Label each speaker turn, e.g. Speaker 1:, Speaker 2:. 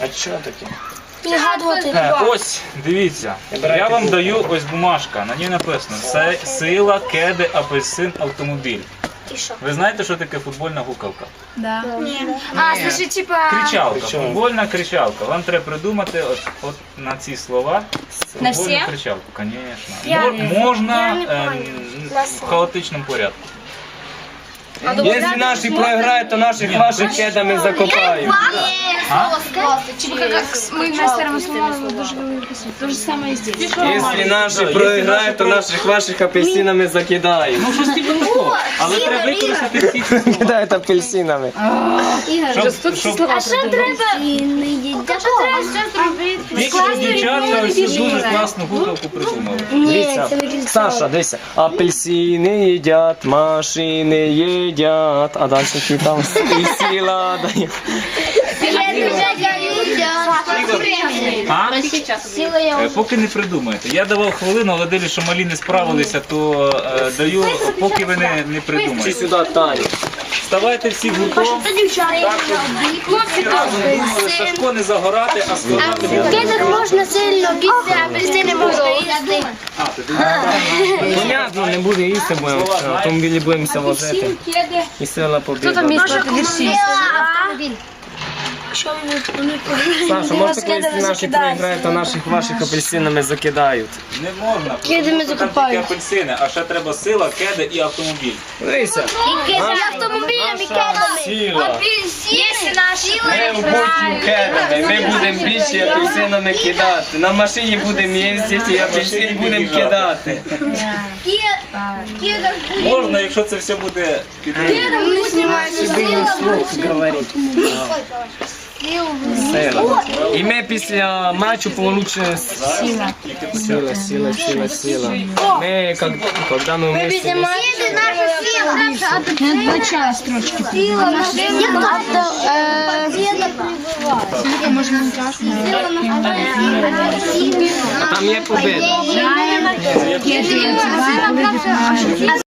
Speaker 1: А що таке?
Speaker 2: Підгадувати.
Speaker 3: Ось, дивіться, я вам даю ось бумажка, на ній написано сила, кеди, апельсин, автомобіль.
Speaker 2: І що?
Speaker 3: Ви знаєте, що таке футбольна гукавка?
Speaker 4: Да.
Speaker 2: Ні. А, слушай, типа...
Speaker 3: Кричалка,
Speaker 1: Причому?
Speaker 3: футбольна кричалка. Вам треба придумати от на ці слова
Speaker 4: На
Speaker 3: футбольну
Speaker 4: всі?
Speaker 3: кричалку, звісно.
Speaker 2: Я
Speaker 3: Можна
Speaker 2: не поняла.
Speaker 3: в хаотичному порядку.
Speaker 1: Если наши проиграют, то наших ваших кедами закопають.
Speaker 4: Типа как мы на старом основном тоже говорили. То же самое и здесь.
Speaker 1: Если наші проиграют, то наших ваших апельсинами закидають.
Speaker 3: Ну, щось типу такого. Але треба використати всі ці слова.
Speaker 1: Кидають апельсинами.
Speaker 3: Щоб
Speaker 2: А що треба? А що треба ще зробити?
Speaker 3: більше дівчатка ось цю дуже класну гукавку придумали.
Speaker 1: Дивіться, Саша, дивися. Апельсини їдять, машини їдять, а далі які там сила дає.
Speaker 3: Поки не придумаєте. Я давав хвилину, але дивлюсь, що малі не справилися, то даю, поки ви не
Speaker 1: Чи
Speaker 3: придумаєте.
Speaker 1: сюди, Таню.
Speaker 3: Вставайте всі гуртом, всі разом думали, Сашко не загорати, а складати.
Speaker 2: Кедах можна сильно бігти, а апельсини можна їсти.
Speaker 1: Понятно, не буде їсти, будемо в автомобілі будемося возити. І сила побіда. Саша, може коли наші проіграють, то наших ваших апельсинами закидають.
Speaker 3: Не можна.
Speaker 2: Кедами
Speaker 3: Там
Speaker 2: закопають.
Speaker 3: тільки апельсини, а ще треба сила, кеди і автомобіль.
Speaker 1: Дивися.
Speaker 2: І автомобілями кедами.
Speaker 1: Сила.
Speaker 2: Є наші
Speaker 1: Ми будемо кедами, ми будемо більше апельсинами кидати. На машині будемо їздити і апельсин будемо кидати.
Speaker 3: Можна, якщо це все буде під
Speaker 1: Сила. І ми після матчу получимо сила. Ми, когда мы вместе...
Speaker 4: Надо начало строчки.
Speaker 1: А там є победа.
Speaker 4: Кеды,